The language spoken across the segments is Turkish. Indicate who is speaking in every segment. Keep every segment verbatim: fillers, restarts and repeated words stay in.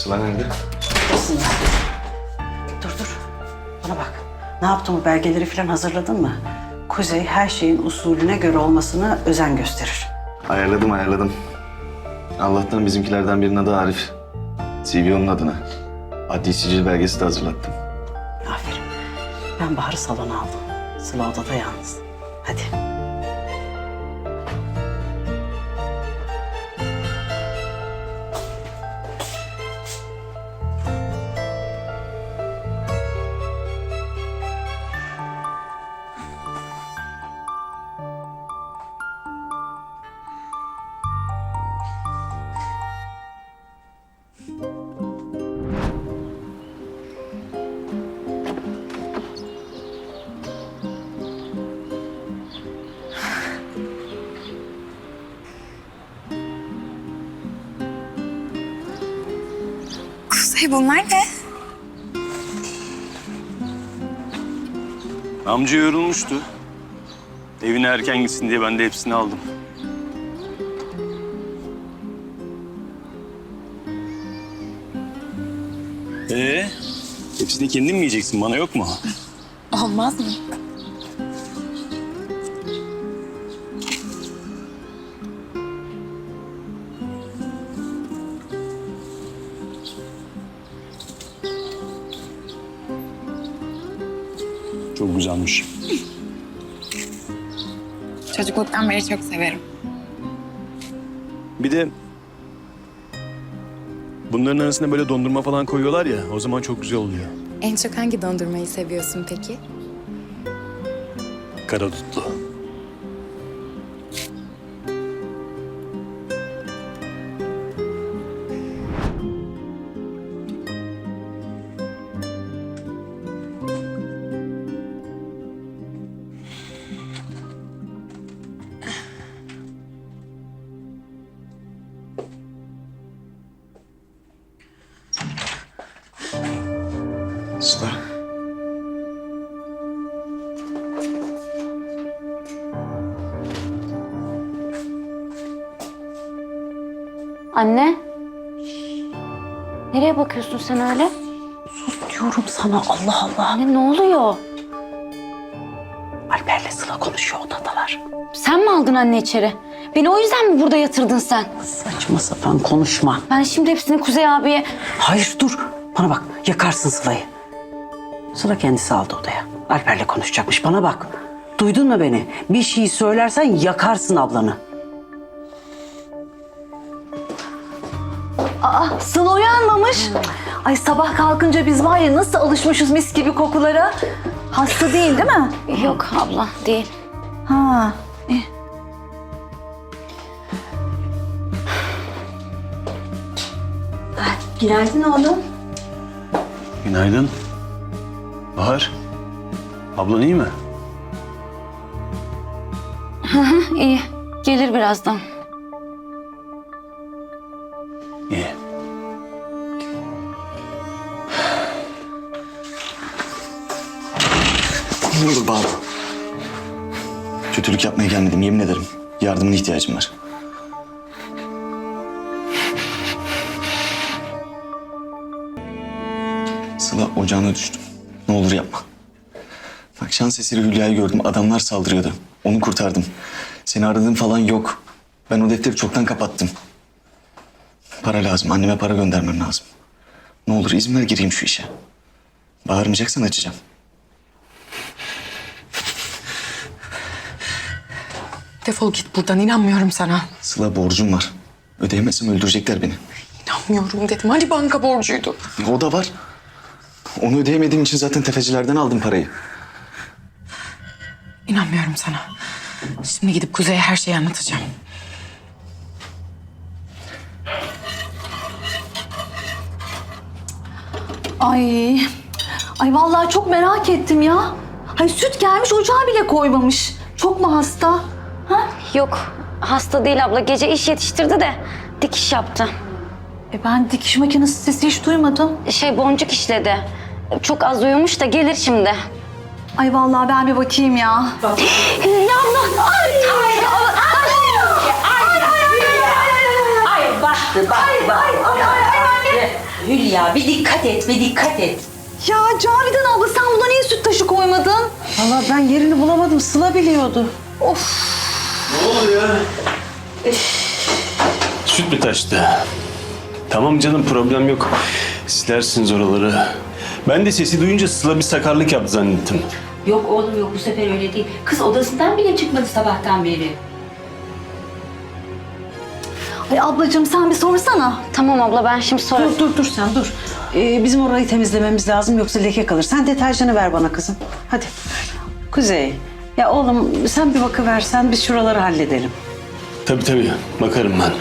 Speaker 1: Sıla nerede?
Speaker 2: Odasında. Dur dur. Bana bak. Ne yaptın, bu belgeleri falan hazırladın mı? Kuzey her şeyin usulüne göre olmasına özen gösterir.
Speaker 1: Ayarladım ayarladım. Allah'tan bizimkilerden birinin adı Arif. C V onun adına. Adli sicil belgesi de hazırlattım.
Speaker 2: Aferin. Ben Bahar'ı salona aldım. Sıla odada yalnız. Hadi.
Speaker 3: Kuzey, bunlar ne?
Speaker 4: Amca yorulmuştu. Evine erken gitsin diye ben de hepsini aldım. Ee, hepsini kendin mi yiyeceksin? Bana yok mu?
Speaker 3: Olmaz mı?
Speaker 4: Çok güzelmiş.
Speaker 3: Çocukluktan beri çok severim.
Speaker 4: Bir de bunların arasına böyle dondurma falan koyuyorlar ya, o zaman çok güzel oluyor.
Speaker 3: En çok hangi dondurmayı seviyorsun peki?
Speaker 4: Karadutlu.
Speaker 1: Sıla.
Speaker 5: Anne. Nereye bakıyorsun sen öyle?
Speaker 2: Sus diyorum sana, Allah Allah.
Speaker 5: Anne ne oluyor?
Speaker 2: Alper'le Sıla konuşuyor, odadalar.
Speaker 5: Sen mi aldın anne içeri? Beni o yüzden mi burada yatırdın sen?
Speaker 2: Saçma sapan konuşma.
Speaker 5: Ben şimdi hepsini Kuzey abiye...
Speaker 2: Hayır dur. Bana bak, yakarsın Sıla'yı. Sıla kendisi aldı odaya. Alper'le konuşacakmış, bana bak. Duydun mu beni? Bir şey söylersen yakarsın ablanı.
Speaker 6: Aa, Sıla uyanmamış. Ay sabah kalkınca biz var ya nasıl alışmışız mis gibi kokulara. Hasta değil değil mi?
Speaker 5: Yok abla değil.
Speaker 6: Ha. iyi. Ay, Günaydın oğlum.
Speaker 4: Günaydın. Bahar. Ablan iyi mi?
Speaker 5: İyi. Gelir birazdan.
Speaker 4: İyi.
Speaker 1: Ne olur bağırma. Kötülük yapmaya gelmedim, yemin ederim. Yardımına ihtiyacım var. Sıla, ocağına düştüm. Ne olur yapma. Bak, şans eseri Hülya'yı gördüm. Adamlar saldırıyordu. Onu kurtardım. Seni aradığım falan yok. Ben o defteri çoktan kapattım. Para lazım. Anneme para göndermem lazım. Ne olur izin ver, gireyim şu işe. Bağırmayacaksan açacağım.
Speaker 7: Defol git buradan, inanmıyorum sana.
Speaker 1: Sıla, borcum var. Ödeyemezsem öldürecekler beni.
Speaker 7: İnanmıyorum dedim. Hani banka borcuydu?
Speaker 1: O da var. Onu ödeyemediğim için zaten tefecilerden aldım parayı.
Speaker 7: İnanmıyorum sana. Şimdi gidip Kuzey'e her şeyi anlatacağım.
Speaker 6: Ay. Ay vallahi çok merak ettim ya. Ay süt gelmiş ocağa bile koymamış. Çok mu hasta? Ha?
Speaker 5: Yok hasta değil abla. Gece iş yetiştirdi de dikiş yaptı.
Speaker 6: E ben dikiş makinesi sesi hiç duymadım.
Speaker 5: Şey boncuk işledi. Çok az uyumuş da gelir şimdi.
Speaker 6: Ay vallahi ben bir bakayım ya.
Speaker 5: Hülya abla. Ay, ay, ay,
Speaker 8: Ay baktı bak bak.
Speaker 2: Hülya bir dikkat et, bir dikkat et.
Speaker 6: Ya Cavidan abla sen buna niye süt taşı koymadın?
Speaker 2: Vallahi ben yerini bulamadım. Sıla biliyordu.
Speaker 8: Ne oluyor? Süt mü taştı? Tamam canım, problem yok. Silersiniz oraları. Ben de sesi duyunca Sıla bir sakarlık yaptı zannettim.
Speaker 9: Yok oğlum yok, bu sefer öyle değil. Kız odasından bile çıkmadı sabahtan beri.
Speaker 6: Ay ablacığım sen bir sorsana.
Speaker 5: Tamam abla, ben şimdi sorarım.
Speaker 2: Dur dur dur sen dur. Ee, bizim orayı temizlememiz lazım yoksa leke kalır. Sen deterjanı ver bana kızım. Hadi. Kuzey. Ya oğlum sen bir bakıversen biz şuraları halledelim.
Speaker 8: Tabii tabii, bakarım ben.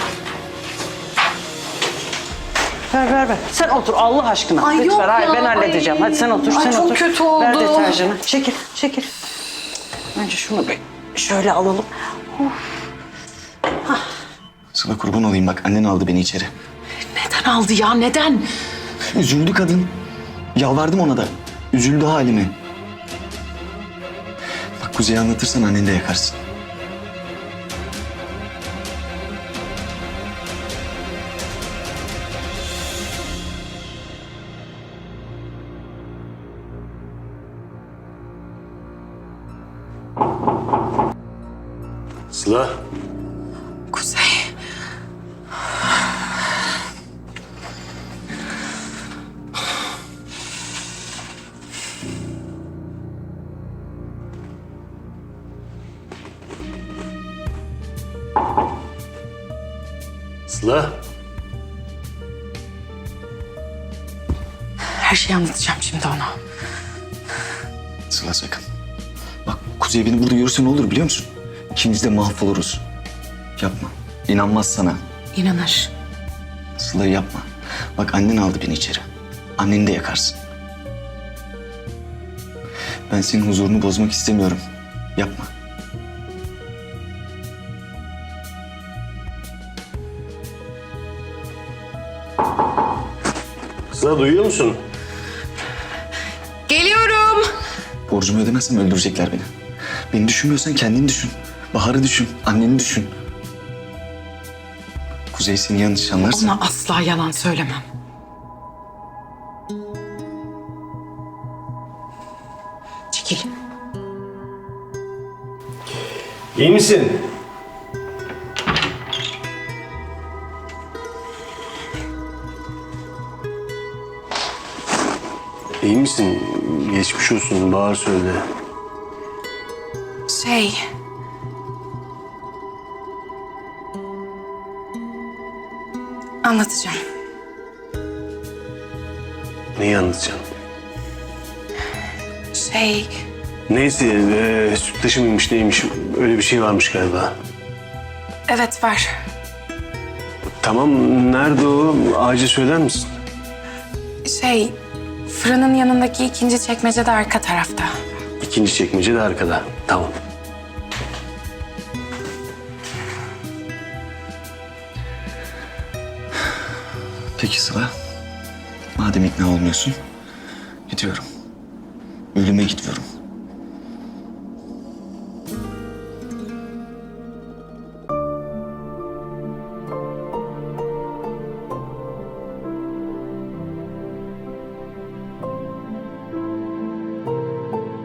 Speaker 2: Ver ver ver. Sen otur Allah aşkına.
Speaker 6: Ay,
Speaker 2: Lütfen.
Speaker 6: yok
Speaker 2: Hayır
Speaker 6: ya,
Speaker 2: ben halledeceğim.
Speaker 6: ay.
Speaker 2: Hadi sen otur
Speaker 6: Ay,
Speaker 2: sen
Speaker 6: çok
Speaker 2: otur.
Speaker 6: kötü
Speaker 2: Ver
Speaker 6: oldu.
Speaker 2: deterjanı. Çekil çekil. Önce şunu bir şöyle alalım.
Speaker 1: Sıla kurban olayım bak annen aldı beni içeri.
Speaker 7: Neden aldı ya neden?
Speaker 1: Üzüldü kadın. Yalvardım ona da. Üzüldü halime. Bak Kuzey'e anlatırsan anneni de yakarsın.
Speaker 8: Sıla,
Speaker 7: Kuzey.
Speaker 8: Sıla.
Speaker 7: Her şeyi anlatacağım şimdi ona.
Speaker 1: Sıla sakın. Bak Kuzey beni burada görürse ne olur biliyor musun? İkimiz de mahvoluruz. Yapma. İnanmaz sana.
Speaker 7: İnanır.
Speaker 1: Sıla yapma. Bak annen aldı beni içeri. Anneni de yakarsın. Ben senin huzurunu bozmak istemiyorum. Yapma.
Speaker 8: Sıla duyuyor musun?
Speaker 7: Geliyorum.
Speaker 1: Borcumu ödemezsem öldürecekler beni. Beni düşünmüyorsan kendini düşün. Bahar'ı düşün. Anneni düşün. Kuzey seni yanlış anlarsa...
Speaker 7: Ona asla yalan söylemem. Çekil.
Speaker 8: İyi misin? İyi misin? Geçmiş olsun. Bahar söyle.
Speaker 7: Şey... Anlatacağım.
Speaker 8: Neyi anlatacaksın?
Speaker 7: Şey...
Speaker 8: Neyse, e, süt taşı mıymış neymiş? Öyle bir şey varmış galiba.
Speaker 7: Evet var.
Speaker 8: Tamam, nerede o? Acil söyler misin?
Speaker 7: Şey... Fırının yanındaki ikinci çekmecede arka tarafta.
Speaker 8: İkinci çekmece de arkada. Tamam.
Speaker 1: Peki Sıla. Madem ikna olmuyorsun, gidiyorum. Ölüme gidiyorum.